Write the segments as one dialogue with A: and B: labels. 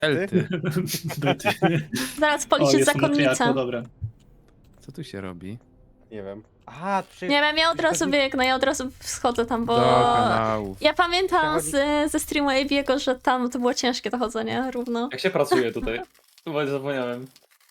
A: Elty.
B: Bety.
C: Zaraz
B: O,
C: policzyć
B: jest
C: zakonnicę.
B: matriarcha, dobra.
A: Co tu się robi?
D: Nie wiem. Aha, tu się...
C: Nie wiem, ja od razu biegnę, ja od razu schodzę tam, bo...
A: Do kanałów.
C: Ja pamiętam ze streamu AB'ego, że tam to było ciężkie to chodzenie równo.
E: Jak się pracuje tutaj? Chyba zapomniałem.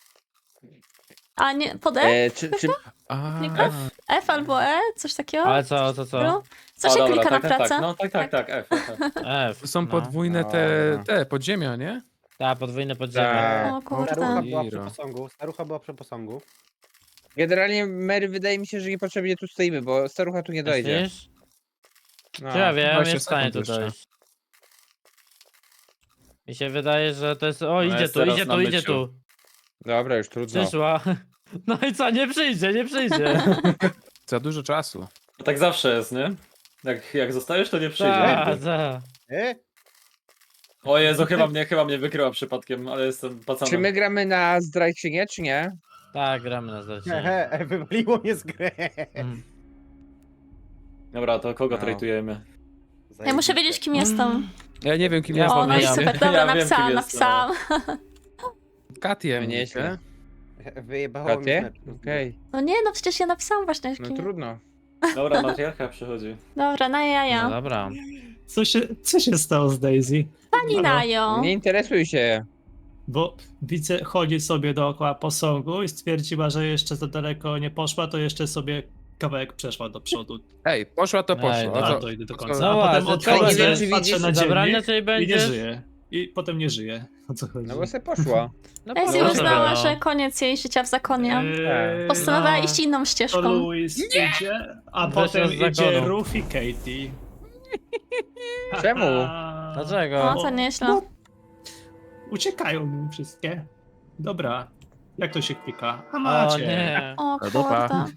C: A nie, pod E?
D: czy...
A: A,
C: Nie F? F albo E? Coś takiego?
F: Ale co, co?
C: No. Co
E: O,
C: się
E: dobra,
C: klika na
E: tak, tak,
C: pracę?
E: tak. No tak, F.
F: F.
A: tu są
F: no.
A: podwójne te podziemia, nie?
F: Tak, podwójne podziemie.
D: Tak.
C: O kurde.
D: Starucha była przy
A: Iro.
D: posągu. Starucha była przy posągu.
G: Generalnie, Mary, wydaje mi się, że niepotrzebnie tu stoimy, bo starucha tu nie dojdzie.
F: Myślisz?
G: No.
F: Czy ja wiem,
A: 20
F: jest w stanie tu
A: sekund jeszcze.
F: dojść. Mi się wydaje, że to jest... O, idzie
E: jest
F: tu,
E: teraz
F: idzie
E: na
F: tu, idzie
E: myciu.
F: tu.
G: Dobra, już trudno.
F: Przyszła. No i co, nie przyjdzie, nie przyjdzie.
A: Za dużo czasu.
E: No tak zawsze jest, nie? Jak zostajesz, to nie przyjdzie
F: Tak,
E: nigdy.
F: tak.
E: O Jezu, chyba mnie wykryła przypadkiem, ale jestem pacanem.
G: Czy my gramy na zdrajczynię, czy nie?
F: Tak, gramy na zlecenie.
D: Hehe, wywaliło mnie z gry.
E: Dobra, to kogo
G: No.
E: trajtujemy?
C: Ja muszę wiedzieć, kim jestem.
A: Ja nie wiem, kim
F: Ja
A: ja
C: O, no i
F: pomijam.
C: super, dobra,
E: Ja wiem, kim
C: napisałam,
E: jestem.
C: napisałam.
A: Katiem,
G: Nieźle.
D: Wyjebało mi
G: Katie?
D: mecz.
G: Okej,
C: No nie, no przecież ja napisałam właśnie,
G: no
C: kim.
G: trudno.
E: Dobra, matriarcha przychodzi.
C: Dobra, na
F: No
C: jaja.
F: dobra.
B: Co się stało z Daisy?
C: Pani Najo.
G: Nie interesuj się.
B: Bo widzę, chodzi sobie dookoła posągu i stwierdziła, że jeszcze za daleko nie poszła, to jeszcze sobie kawałek przeszła do przodu.
A: Ej, poszła to
F: Ej,
A: poszła.
F: no
A: A
B: A
A: co?
B: to idę do
A: o co-
B: końca.
F: No
B: A potem
F: właśnie,
B: odchodzę,
G: nie wiem, czy
B: patrzę
G: widzisz,
B: na
F: zabrania
B: dziennik
F: tutaj
B: i nie
F: będziesz?
B: żyje. I potem nie żyje. O co chodzi?
G: No bo se poszła.
F: No
C: Daisy
F: proszę,
C: uznała,
F: no.
C: że koniec jej życia w zakonie. Postanowiła iść inną
B: To
C: ścieżką.
B: Louis idzie, a
F: Wyszła
B: potem
F: z
B: idzie
F: zakonu.
B: Ruth i Katie.
G: Czemu?
F: Dlaczego?
C: O, to nieźle.
B: Uciekają mi wszystkie. Dobra. Jak to się klika? A
F: O
B: macie.
F: nie.
C: O
A: dupa.
C: kurde.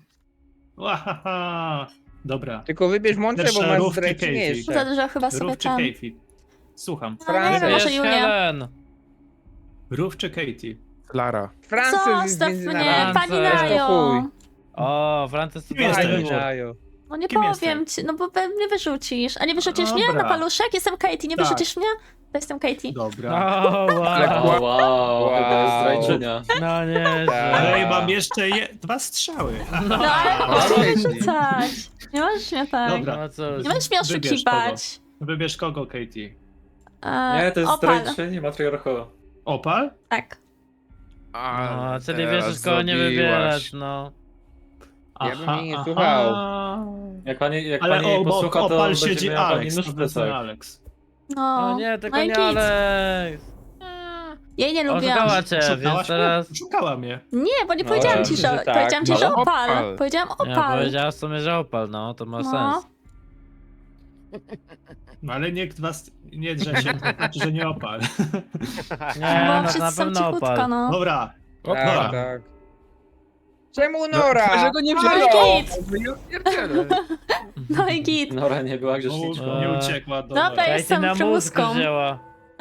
B: Łahaha. Dobra.
G: Tylko wybierz mądrze, bo
B: Lepsze
G: masz
B: rówki
G: zdrajczynię
B: Katie.
G: jeszcze.
C: Za dużo chyba sobie
B: Ruth czy
C: tam.
B: Katie? Słucham.
C: No, nie wiem,
G: Francja.
C: może
F: Jest
C: Julia.
F: Helen.
B: Ruth czy Katie?
A: Klara.
G: Francja jest
C: Zostaw
G: między
C: mnie,
G: nami.
C: pani
F: Francja.
C: Najo.
G: chuj.
F: O, Frances to
B: Kim jesteś?
F: fajny
G: Pani
F: wybór.
G: Najo.
C: No nie
B: Kim
C: powiem ci, no bo mnie wyrzucisz. A nie wyrzucisz mnie
B: Dobra.
C: na paluszek? Jestem Katie, nie
B: Tak.
C: wyrzucisz mnie? To jestem Katie.
B: Dobra.
F: O, wow.
E: O, wow, chyba jest zdrajczynia.
F: No nie,
G: Tak.
B: Ale i mam jeszcze 2 strzały.
C: No ale
A: O,
C: możesz mnie
A: Katie.
C: wyrzucać. Nie możesz mnie tak.
B: Dobra.
F: No cóż.
C: Nie możesz mnie
B: Wybierz
C: oszukiwać.
B: Wybierz kogo, Katie?
E: Nie, to jest
C: Opal.
E: zdrajczyni matriarcha.
B: Opal?
C: Tak.
F: No, czyli
A: teraz
F: wiesz, kogo nie
A: zrobiłaś.
F: wybierać, no.
G: Ja bym jej nie słuchał.
E: Jak pani
B: Ale
E: jej
B: obok
E: posłucha, to
B: Opal
E: będzie
B: siedzi
E: miała pani
B: Alex.
E: nóż
B: To
E: w
B: był ten
E: plecach.
B: Alex.
C: No.
F: O nie, tylko
C: no i
F: nie
C: git.
F: Alex.
C: Jej nie lubiłam.
F: Oszukała cię, więc
B: Szukałaś
F: teraz...
B: mnie? Szukała mnie.
C: Nie, bo nie
G: No,
C: powiedziałam ci,
G: że
C: że...
G: tak,
C: Powiedziałam ci,
G: no.
C: że opal.
A: Opal.
C: Powiedziałam
F: Ja
C: opal.
F: powiedziała w sumie, że opal, no, to ma
C: No.
F: sens.
B: No ale nikt was nie drze się, to znaczy, że nie Opal.
F: Nie,
C: Bo
F: no to
C: wszyscy
F: na
C: są
F: pewno
C: cichutko,
F: opal.
C: no.
B: Dobra.
A: Opal.
B: Dobra.
G: Tak, tak. Czemu Nora?
A: Dlaczego nie
C: No i
A: wzięło?
C: git.
A: Ja pierdzielę.
C: No i git.
E: Nora nie była
B: O,
E: grzeszniczką.
B: nie uciekła do...
C: Dobra,
F: Katie
C: jestem
F: na mózg
C: przymuską.
F: wzięła.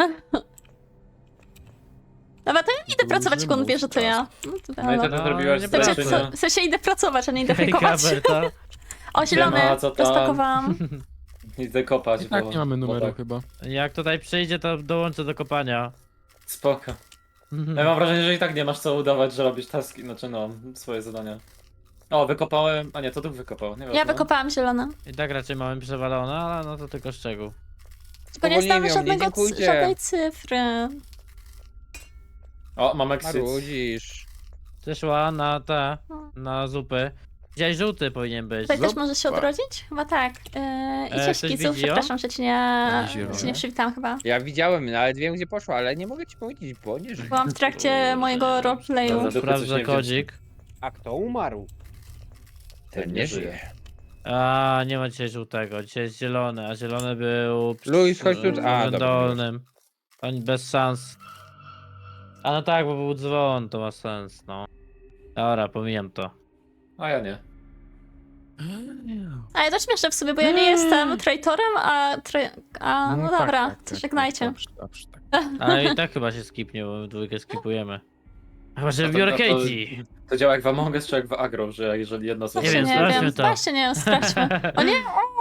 C: Dobra, to ja idę pracować, jak on wie, że to ja. No to
E: No i co
C: dobra.
E: ty zrobiłaś
F: nie
C: Znaczy,
E: zdrajczynia?
C: w sensie idę pracować, a nie idę
F: Hej,
C: fejkować.
F: Gaberta.
C: O, zielony,
E: Siema, co tam?
C: rozpakowałam.
E: Idę kopać,
A: I tak
E: bo-
A: nie mamy
E: bo
A: numeru
E: tak.
A: chyba.
F: Jak tutaj przyjdzie, to dołączę do kopania.
E: Spoko. Ja mam wrażenie, że i tak nie masz co udawać, że robisz taski, znaczy no, swoje zadania. O, wykopałem, a nie, to tu wykopał, nie wiem.
C: Ja wykopałam zielone.
F: I tak raczej mamy przewalone, ale no to tylko szczegół.
C: Tylko nie
G: Spowolnienie
C: znamy
G: mnie,
C: żadnego,
G: dziękujcie.
C: żadnej cyfry.
E: O, mam exit.
G: Marudzisz.
F: Przyszła na na zupy. Dzisiaj żółty powinien być.
C: Tutaj też możesz się odrodzić? Chyba tak. I
F: ktoś
C: cześć Kicu,
F: widzi ją?
C: przepraszam, że cię
A: Zielone.
C: nie przywitam chyba.
G: Ja widziałem, nawet wiem gdzie poszła, ale nie mogę ci powiedzieć, bo nie żyje.
C: Byłam w trakcie mojego roleplayu.
E: Dobra. Dupy coś
F: Sprawdzę
E: nie
F: kodzik.
D: A kto umarł?
G: Ten nie żyje.
F: A, nie ma dzisiaj żółtego, dzisiaj jest zielony, a zielony był
G: Luis, chodź tu. A, dobra.
F: dolnym. Oni bez szans. A no tak, bo był dzwon, to ma sens, no. Dobra, pomijam to.
E: A ja nie.
C: A ja też śmieszne w sobie, bo ja nie jestem traitorem, no
A: tak,
C: dobra,
A: tak,
C: to
A: tak,
C: żegnajcie.
A: Dobrze, dobrze, tak.
F: Ale i tak chyba się skipnie, bo my dwójkę skipujemy. Chyba, że
E: No to-
F: biorę
E: no to-
F: Katie.
E: To działa jak w Among Us czy jak w Agro, że jeżeli jedna osoba...
F: Nie
C: Właśnie
F: wiem,
C: nie
F: sprawdźmy
C: wiem,
F: to.
C: właśnie nie wiem, sprawdźmy. O nie,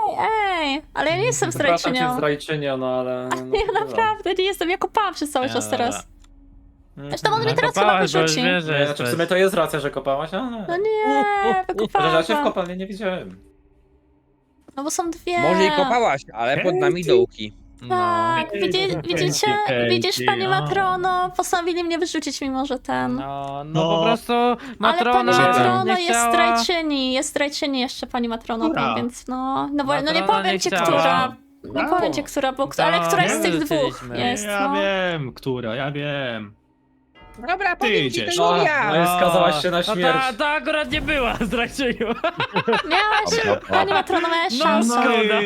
C: Ej, ale ja nie jestem
E: Przepraszam cię,
C: zdrajczynią.
E: zdrajczynią, no ale... No,
C: Ja naprawdę nie jestem, ja kopałam przez cały czas teraz. Zresztą on mnie teraz chyba
F: Nakopałaś, bo już
C: wyrzuci.
F: wiesz, że
E: Znaczy w
F: jesteś.
E: sumie to jest racja, że kopałaś, ale...
C: No nie,
E: Chociaż ja cię w
C: wykopałam.
E: kopalni nie widziałem.
C: No bo są dwie.
G: Może i kopałaś, ale pod nami dołki.
F: No.
C: Tak, widzicie? Widzisz, pani Matrono? Postanowili mnie wyrzucić, mimo że ten...
F: No,
B: No.
F: po prostu
C: Ale
F: Matrona
C: pani Matrono
F: nie
C: jest
F: chciała...
C: zdrajczyni jeszcze pani Matrono,
B: Która?
C: więc no nie
F: Matrona
C: powiem
F: nie
C: ci,
F: chciała.
C: która. Nie
B: Brawo.
C: powiem ci, która, ale
F: No,
C: któraś z
F: nie
C: tych dwóch
F: wyrzuciliśmy.
C: jest,
B: Ja
C: no.
B: wiem, która, ja wiem.
G: Dobra, powiem ci,
B: idziesz.
G: to
E: No,
G: nie
E: no
G: ja.
E: i skazałaś się na
F: No
E: śmierć.
F: ta akurat nie była zdrajczynią.
C: Miałaś, pani Matrono, miałaś
F: No,
C: szansę.
F: szkoda.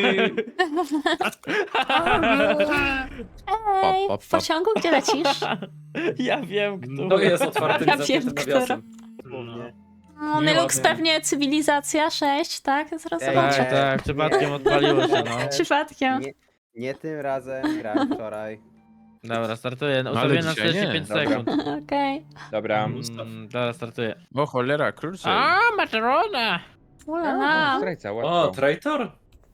C: Ej, w pociągu, gdzie lecisz?
F: Ja wiem, kto.
E: To jest otwartym
C: Ja
E: zamkniętym
C: wiem,
E: nawiasem.
C: No,
B: Nie
C: Nilux
B: ładnie.
C: pewnie cywilizacja 6, tak? Zaraz
D: Ej,
C: zobaczę.
F: Tak, tak, przypadkiem odpaliło się, no.
C: Przypadkiem.
D: Nie tym razem, grałem wczoraj.
F: Dobra, startuję.
A: ale
F: Ustawiłem na
A: dzisiaj nie.
F: 45
G: Dobra.
F: sekund.
C: Okej.
G: Dobra.
F: Dobra, startuję.
A: O cholera, krócej.
F: A, Matrona!
C: Ulala.
G: Strajca,
E: O,
G: łatwo.
E: traitor?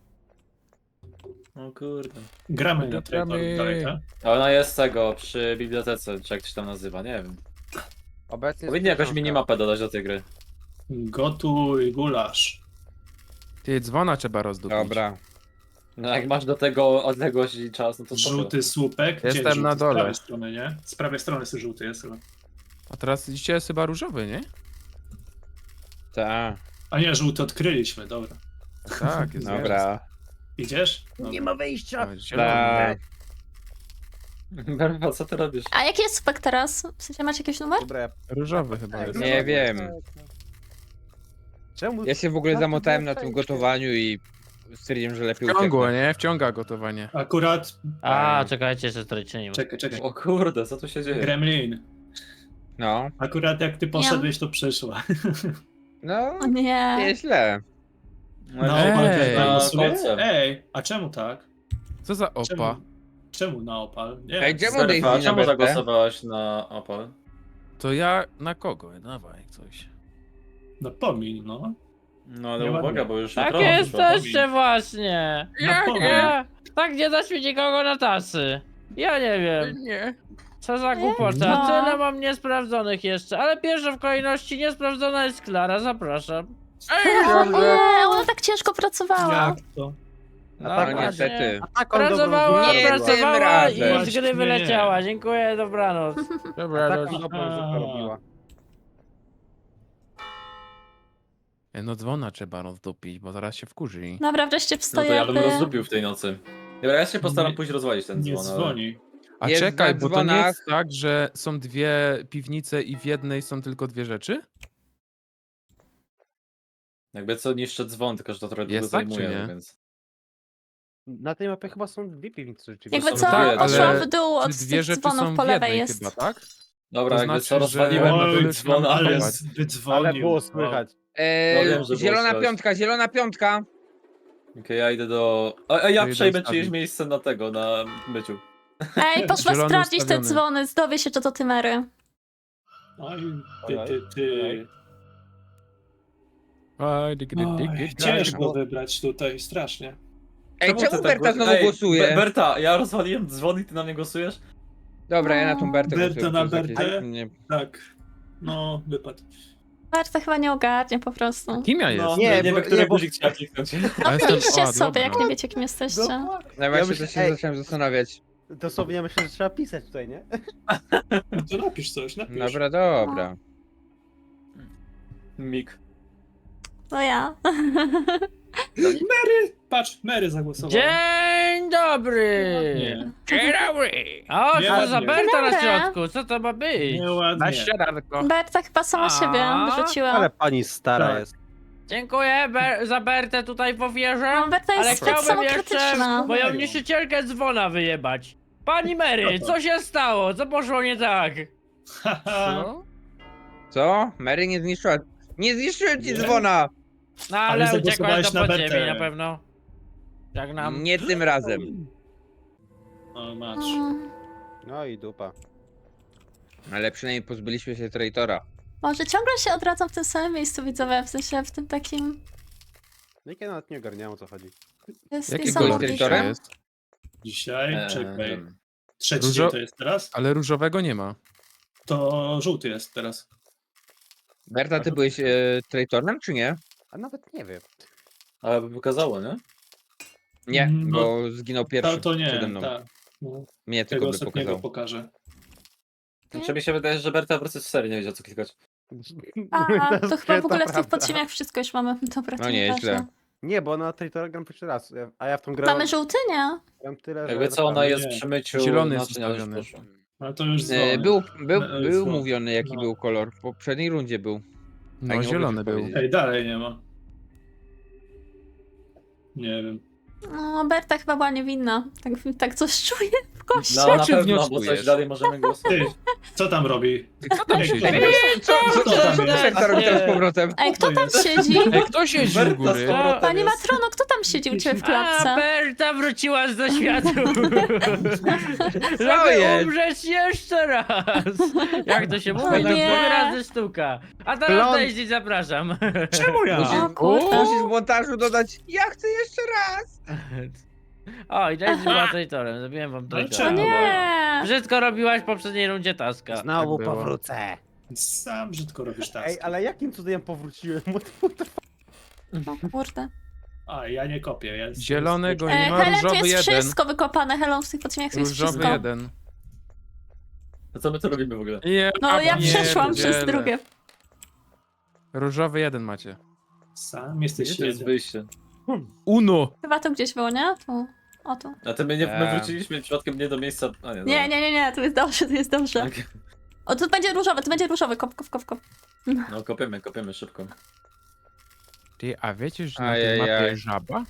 E: O kurde.
B: Gramy na
A: Gramy.
B: traitora.
E: Ona jest tego, przy bibliotece, czy jak to się tam nazywa, nie wiem.
D: Obecnie
E: Powinni jakąś
D: książka.
E: minimapę dodać do tej gry.
B: Gotuj gulasz.
A: Ty, dzwona trzeba rozdupić.
G: Dobra.
E: No jak masz do tego odległość i czas, no to spoko.
B: Żółty słupek. Gdzie
A: Jestem
B: jest żółty?
A: na dole.
B: Z prawej strony, nie? Z prawej strony jest żółty, jest chyba.
A: A teraz dzisiaj jest chyba różowy, nie?
G: Ta.
B: A nie, żółty odkryliśmy, dobra.
A: Tak, jest
G: Dobra.
B: Idziesz? Dobra.
D: ma wyjścia.
G: Tak.
E: Berwa, co ty robisz?
C: A jaki jest spek teraz? W sensie macie jakiś numer?
D: Dobra,
A: Różowy chyba jest.
G: Nie wiem.
D: Czemu?
G: Ja się w ogóle zamotałem na tym gotowaniu i stwierdziłem, że lepiej
A: Wciągło,
G: ucieknę.
A: nie? Wciąga gotowanie.
B: Akurat...
F: A, czekajcie, jeszcze zdrajczynią.
B: Czekaj.
E: O kurde, co tu się dzieje?
B: Gremlin.
G: No.
B: Akurat jak ty poszedłeś, to przyszła.
G: No,
C: O nie.
G: nieźle.
B: No,
A: Ej,
B: opal też
E: na
B: zagłosuje?
E: kolce.
B: Ej, a czemu tak?
A: Co za opa?
B: Czemu na opal? Nie.
G: Ej, czemu
E: Zerfa,
G: Daisy na
E: czemu
G: Bertę?
E: zagłosowałaś na Opal?
A: To ja na kogo? Dawaj coś.
B: No pomiń, no.
E: No ale
B: Nie
E: uwaga,
B: ładnie.
E: bo już
F: Tak
E: Matrona
F: jesteście właśnie!
B: No pomiń.
F: Nie, tak nie dać mi nikogo na tasy. Ja nie wiem,
A: Nie.
F: co za głupota.
C: No.
F: Tyle mam niesprawdzonych jeszcze, ale pierwsza w kolejności niesprawdzona jest Klara, zapraszam.
C: O nie, ona tak ciężko pracowała.
B: Jak to?
F: No,
G: No
F: właśnie.
G: niestety.
F: Pracowała,
G: Nie tym
F: pracowała i
G: razem.
F: z gry wyleciała. Dziękuję, dobranoc.
A: Dobra,
D: Tak
A: no,
D: dobrą zupę robiła.
A: no dzwona trzeba rozdupić, bo zaraz się wkurzy.
C: Dobra, wreszcie
E: No to
C: wstoję.
E: ja bym rozdupił w tej nocy. Dobra, ja się postaram
B: Nie-
E: pójść rozwalić ten
B: Nie
E: dzwon. ale-
B: dzwoni.
A: A
G: Jest
A: czekaj,
G: na
A: bo to nie
G: dzwonach.
A: jest tak, że są dwie piwnice i w jednej są tylko dwie rzeczy?
E: Jakby co niszczę dzwon, tylko że to trochę długo
A: Jest tak, czy
E: zajmuje,
A: nie?
E: więc...
D: Na tej mapie chyba są dwie piwnice rzeczywiście.
C: Jakby
E: są
C: co,
E: dwie,
C: poszłam
A: ale
C: w dół od
A: Czy dwie
C: tych
A: rzeczy
C: dzwonów
A: są
C: po
A: w
C: lewej
A: jednej
C: jest.
A: chyba, tak?
E: Dobra,
A: To
E: jakby
A: znaczy,
E: co,
A: że-
E: rozwaliłem na
A: Oj,
E: tyle
A: już
E: dzwona,
A: mam
B: ale
A: więc-
B: wydzwonił.
D: Ale było słychać.
E: No wiem, że było
G: Zielona
E: słychać.
G: piątka, zielona piątka.
E: Okej, ja idę do... A ja
A: To idę
E: przejmę
A: ustawić.
E: czyjeś miejsce na tego, na myciu.
C: Ej, poszła
A: Zielony
C: sprawdzić te
A: ustawiony.
C: dzwony, dowie się, czy to ty Mary.
B: Oj,
D: Ojoj,
B: ty.
D: ojoj.
A: Oj, dyg, dyg, dyg,
B: Oj,
A: dyg,
B: ciężko wybrać tutaj, strasznie.
G: Ej,
E: ty
G: czemu
E: tak
G: Berta znowu głosuje?
E: Berta, ja rozwaliłem dzwon i ty na mnie głosujesz?
G: Dobra, ja na tą Bertę
B: Berta
G: głosuję.
B: na
G: to jest
B: Bertę?
G: jakieś- nie-
B: Tak. No, wypadł.
C: Marta chyba nie ogarnie po prostu.
A: Kim ja
E: No,
A: jestem?
D: Nie,
E: nie
D: bo-
E: wiem, który
D: nie, bo-
E: guzik trzeba kliknąć.
A: A jestem-
C: Piszcie
A: a,
C: sobie, jak
A: dobra.
C: nie wiecie, kim jesteście.
G: No
D: Ja
G: właśnie,
D: myślę-
G: to się
D: ej.
G: zacząłem zastanawiać.
D: Dosłownie ja myślę, że trzeba pisać tutaj, nie?
B: No to napisz coś, napisz.
G: Dobra, dobra.
E: Mik.
C: To ja.
B: Mary! Patrz, Mary zagłosowała.
F: Dzień dobry!
B: Nie.
F: Dzień dobry! O, co to za
B: Ładnie.
F: Berta na
C: Dobra.
F: środku? Co to ma być?
B: Nieładnie.
A: Na śniadanko.
C: Berta chyba sama siebie wyrzuciła.
D: Ale pani stara
B: Tak.
D: jest.
F: Dziękuję za Bertę tutaj powierzę.
C: No, Berta
F: Ale
C: jest tak
F: chciałbym jeszcze
C: samokrytyczna.
F: moją
B: Mają.
F: niszczycielkę dzwona wyjebać. Pani Mary, co się stało? Co poszło nie tak?
B: Haha.
A: Co?
G: Co? Mary nie zniszczyła. Nie zniszczyłem ci
B: Nie?
G: dzwona!
F: No
B: Ale
F: ale uciekłaś
B: zagłosowałeś
F: do
B: na
F: podziemi
B: Bertę.
F: na pewno. Jak nam.
G: Nie tym razem.
B: O, masz.
D: No i dupa.
G: Ale przynajmniej pozbyliśmy się traitora.
C: Może ciągle się odradzam w tym samym miejscu widzowe, w sensie w tym takim...
D: No i ja nawet nie ogarniałem, o co chodzi.
C: To jest
A: Jaki
G: kolor
C: niesamowite.
G: traitorem?
A: jest?
B: Dzisiaj, czekaj. Trzeci
A: Różo-
B: dzień to jest teraz?
A: Ale różowego nie ma.
B: To żółty jest teraz.
G: Berta, ty byłeś traitorem, czy nie?
D: A nawet nie wiem.
E: Ale by pokazało, nie?
G: Nie,
B: No,
G: bo zginął pierwszy
B: To nie,
G: przede mną.
B: tak. No,
G: Mnie
B: tego
G: tylko by
B: ostatniego
G: pokazał.
B: pokażę.
E: Znaczy mi się wydaje, że Berta po prostu w serii nie wiedział co klikać.
C: A, to chyba w ogóle w tych
D: prawda.
C: podziemiach wszystko już mamy. Dobra, to
G: No nie,
C: nieważne.
G: źle.
D: Nie, bo na Traitora gram pierwszy raz, a ja w tą grę
C: Mamy żółty, nie?
D: gram tyle,
E: Jakby co, ona
D: naprawdę-
E: jest
B: nie.
E: przy myciu
A: Zielony jest
E: naczynia już
A: ustawiony.
E: poszło.
B: Ale to już dzwonię.
G: Był
B: dzwonię.
G: mówiony, jaki
B: No.
G: był kolor. W poprzedniej rundzie był.
A: No,
G: nie mogę
A: zielony
G: już
A: był.
G: powiedzieć.
B: Ej, dalej nie ma. Nie wiem.
C: No, Berta chyba była niewinna. Tak coś czuję w kości.
E: No na
G: Czy
E: pewno, bo
G: wnioskujesz?
E: coś dalej możemy głosować.
B: Ty, co tam robi?
A: Co tam siedzi?
G: Co
B: tam
G: to
B: jest?
G: Berta robi teraz z powrotem?
C: Ej, kto tam
B: jest?
C: siedzi?
A: Ej, kto siedzi u góry?
E: z powrotem
C: Pani
E: jest.
C: Matrono, kto tam siedzi u ciebie w
F: A,
C: klatce?
F: Berta wróciła do światu!
G: Co
F: Żeby
G: jest?
F: umrzeć jeszcze raz! Jak to się mówi?
C: O
F: No
C: nie.
F: 2 razy sztuka. A teraz
A: Plon-
F: Daisy zapraszam.
B: Czemu ja?
C: O kurde.
G: Musisz w montażu dodać, ja chcę jeszcze raz!
F: O, i Daisy była traitorem, zrobiłem wam
B: No
F: traitora.
B: czemu?
C: Nie.
F: Wszystko robiłaś w poprzedniej rundzie taska.
D: Znowu
A: Tak było.
D: powrócę.
B: Sam brzydko robisz tak.
D: Ej, ale jakim cudem powróciłem?
C: O kurde.
B: A, ja nie kopię. Ja
A: Zielonego nie ma,
C: Helen, tu
A: różowy
C: jest
A: jeden.
C: wszystko wykopane. Helen, w tych podziemiach to jest
A: Różowy
C: wszystko.
A: jeden.
E: To co my tu robimy w ogóle?
C: No, ja przeszłam przez
A: pierdzielę.
C: drugie.
A: Różowy jeden macie.
B: Sam jesteś
E: Gdzie to jest
B: jeden.
E: wyjście?
A: Uno!
C: Chyba to gdzieś było, nie? Tu. O tu.
E: A ty my wróciliśmy przypadkiem nie do miejsca... A nie,
C: Nie, nie, nie, nie, to jest dobrze, to jest dobrze.
E: Okay.
C: O, tu będzie różowy, kop, kop, kop, kop.
E: No kopiemy szybko.
A: Ty, a wiecie, że na tej
G: Ajajaj.
A: mapie jest żaba?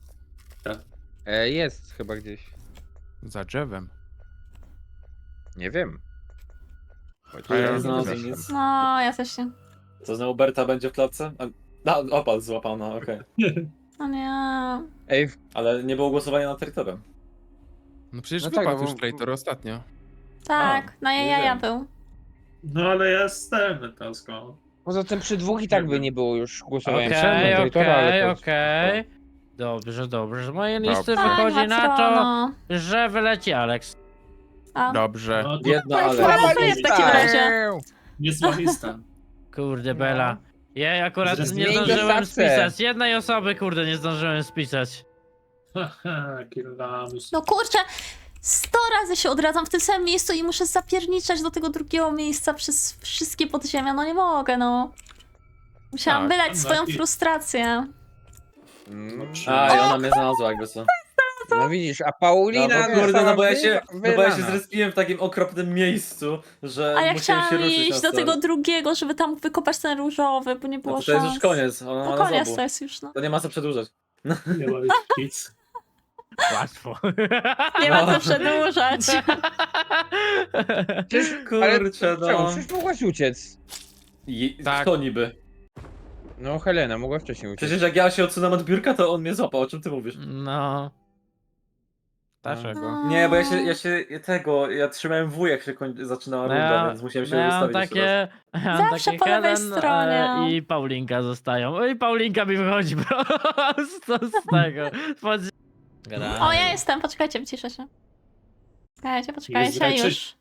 G: Jest chyba gdzieś.
A: Za drzewem.
G: Nie wiem.
A: A ja
E: Nie
A: nie
E: znalazłem
A: wiem.
E: nic.
C: No, ja też nie.
E: Co znowu Berta będzie w klatce? Opal złapana, okej.
C: O nie.
G: Ej,
E: Ale nie było głosowania na terytorium.
A: No przecież
G: No tak,
A: wypadł
G: bo-
A: już traitor ostatnio.
C: Tak, na
E: nie
C: jaja
E: wiem.
C: był.
B: No ale ja jestem Tasko.
G: poza tym przy dwóch i tak by nie było już głosowania.
F: Okej,
G: Traitora,
F: okej. Dobrze, dobrze. Z mojej listy
A: Dobra.
F: wychodzi na to,
C: Matrono.
F: że wyleci Alex.
C: A,
A: Dobrze.
B: No to
E: Jedna,
C: no,
E: ale...
C: to jest w takim razie.
B: niezła lista.
F: Kurde, Bela. Ja akurat nie
B: Zmień
F: zdążyłem
G: dostatce.
F: spisać. Jednej osoby, kurde, nie zdążyłem spisać.
B: Haha, Killamus.
C: No kurczę, 100 razy się odradzam w tym samym miejscu i muszę zapierniczać do tego drugiego miejsca przez wszystkie podziemia. No nie mogę, no. Musiałam
A: Tak,
C: wylać swoją
B: i-
C: frustrację.
E: A, i ona mnie znalazła jakby co.
G: No widzisz, a Paulina...
E: No bo kurde, no bo ja się
G: wylana.
E: zrespiłem w takim okropnym miejscu, że
C: A ja
E: musiałem się
C: chciałam
E: ruszyć
C: iść
E: na
C: do
E: start.
C: tego drugiego, żeby tam wykopać ten różowy, bo nie było
E: No to jest
C: szans.
E: już koniec, ona
C: No
E: ma
C: koniec
E: zabu.
C: to jest już, no.
E: To nie ma co przedłużać.
B: Nie ma już nic.
F: Łatwo.
C: Nie ma
E: No.
C: co przedłużać.
G: Przecież, ale
E: Kurczę,
G: czemu?
E: no.
G: Przecież mogłaś uciec.
A: Tak.
E: Kto niby?
G: No Helena, mogła wcześniej uciec.
E: Przecież jak ja się odsunąłem od biurka, to on mnie złapał, o czym ty mówisz?
F: No. Dlaczego?
E: Nie, bo ja trzymałem W, jak się zaczynała runda, więc musiałem się
F: ja mam
E: ustawić jeszcze raz.
F: ja mam
C: Zawsze
F: takie
C: po lewej
F: Helen,
C: stronie.
F: I Paulinka zostają. No i Paulinka mi wychodzi prosto z tego.
C: O, ja jestem, poczekajcie, wyciszę się. Poczekajcie,
B: zdrajczy-
C: już.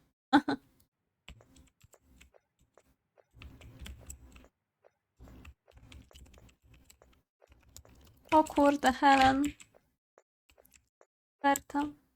C: O kurde, Helen. Berta.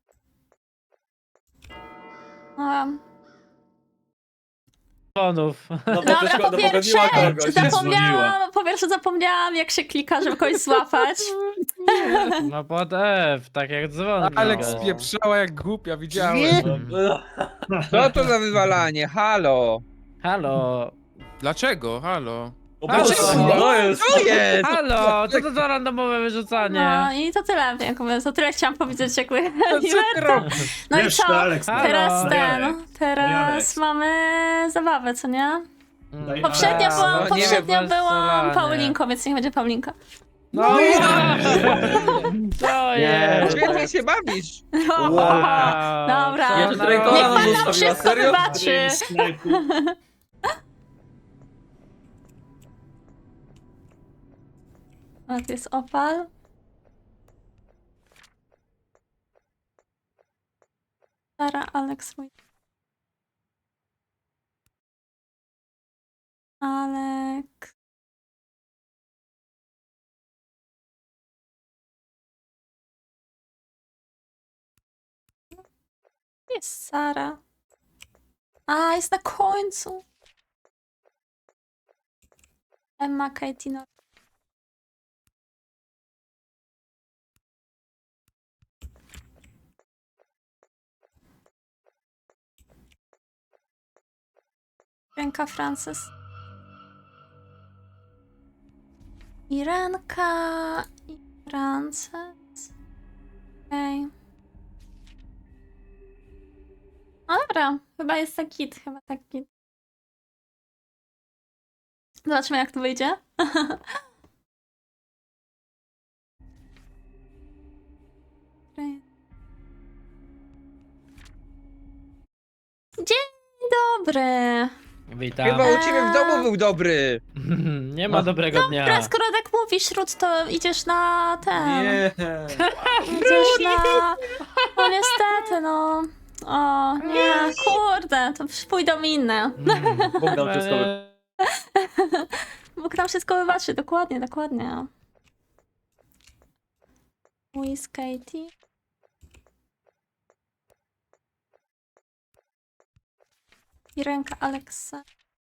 F: Bonów.
E: No bo
C: Dobra,
E: przecież
C: po
E: ona
C: pierwsze,
E: pogodziła kogoś.
C: zapomniałam jak się klika, żeby kogoś złapać.
F: No pod F, tak jak dzwon.
A: Alex
F: klika.
A: spieprzała jak głupia, widziałem.
G: Co to za wywalanie? Halo!
F: Halo.
A: Dlaczego? Halo.
E: O
F: A,
E: Boże,
F: czemu?
E: to jest!
G: Co jest?
F: Halo, co to za randomowe wyrzucanie?
C: No i to tyle, jakby, to tyle chciałam powiedzieć, jakby.
A: Co ty robisz?
C: No i
B: Wiesz,
C: co?
B: to Alex,
F: Halo.
C: Teraz
B: Jarek.
C: teraz
B: Alex.
C: mamy zabawę, co nie?
B: Daj
C: Poprzednio
B: Alex.
C: byłam,
G: No nie wiem,
C: byłam Paulinką, więc niech będzie Paulinka.
F: No i co jest?
G: Świetnie się bawisz.
F: Wow.
C: Dobra.
E: Jeszcze
F: Co
E: Traitora
C: Niech
E: nam
C: pan nam
E: zostawiła,
C: wszystko
E: serio?
C: wybaczy.
B: Snajpu.
C: A to jest opal. Sara, Alex, mój. Alek. Jest Sara. A, jest na końcu. Emma, Katie, no. Ręka Frances. Irenka i Frances. Okej. No dobra, chyba jest tak git, chyba tak git. Zobaczymy jak to wyjdzie. Okej. Dzień dobry.
F: Witam.
G: Chyba u ciebie w domu był dobry.
F: Nie ma dobrego dnia.
C: Dobra, skoro tak mówisz, Ruth, to idziesz na ten.
E: Nie.
C: Idziesz na... No niestety, no. O, nie, kurde, to pójdą inne.
E: Bóg nam wszystko
C: Bóg nam wszystko wybaczy, dokładnie, dokładnie. Louise, Katie. I ręka Alexa.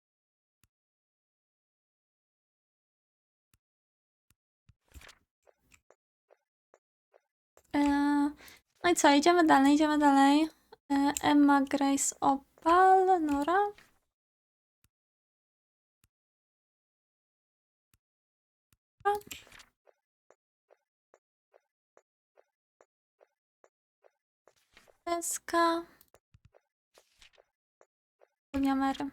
C: No i co, idziemy dalej, idziemy dalej. Emma, Grace, Opal, Nora. Deska. Mary.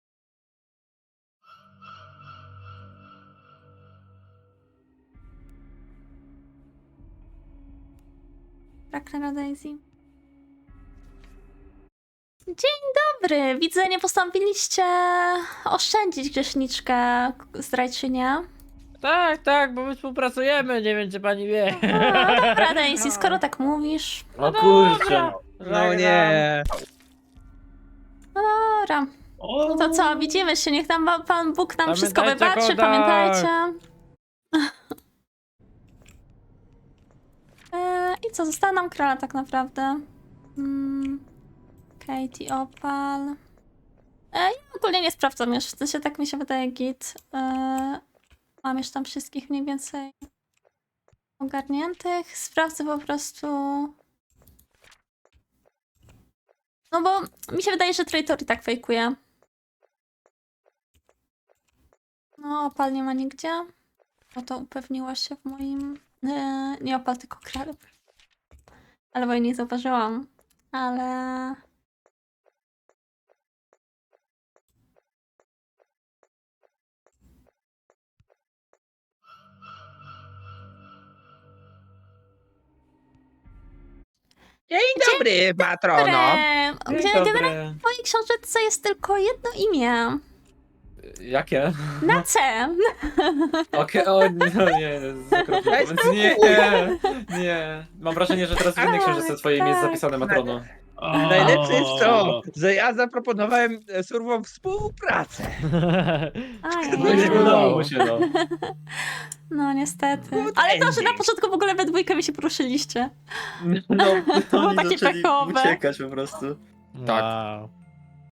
C: Raknera Daisy. Dzień dobry! Widzę, nie postanowiliście oszczędzić grzeszniczkę, zdrajczynię.
F: Tak, bo my współpracujemy, nie wiem czy pani wie.
C: A, dobra, Daisy, skoro tak mówisz.
E: O kurczę.
G: No nie.
C: Dobra. No to co, widzimy się, niech nam Pan Bóg nam wszystko
F: Pamiętajcie,
C: wybaczy,
F: Kodak.
C: pamiętajcie. I co, została nam króla tak naprawdę. Katie, Opal. Ja ogólnie nie sprawdzam już, w sensie tak mi się wydaje git. Mam już tam wszystkich mniej więcej ogarniętych. Sprawdzę po prostu... No bo mi się wydaje, że Traitor i tak fejkuje. No, Opal nie ma nigdzie. Bo to upewniła się w moim... nie Opal, tylko Kral. Ale bo jej nie zauważyłam. Ale...
G: Dzień dobry, patrono.
C: Generalnie w mojej książeczce jest tylko jedno imię.
E: Jakie?
C: Na C.
E: Okej, o no nie,
G: Daj
E: więc
G: spokój.
E: nie. Mam wrażenie, że teraz w innej książce twoje imię jest zapisane, Matrono.
G: Najlepsze jest to, że ja zaproponowałem surwom współpracę.
C: Ajej.
E: Nie udało mu się, no.
C: No niestety.
G: Good
C: Ale to, że na
G: ending.
C: początku w ogóle we dwójkę mi się poruszyliście.
E: No,
C: było
E: oni
C: takie
E: zaczęli
C: pechowe.
E: uciekać po prostu.
A: Tak.
F: Wow.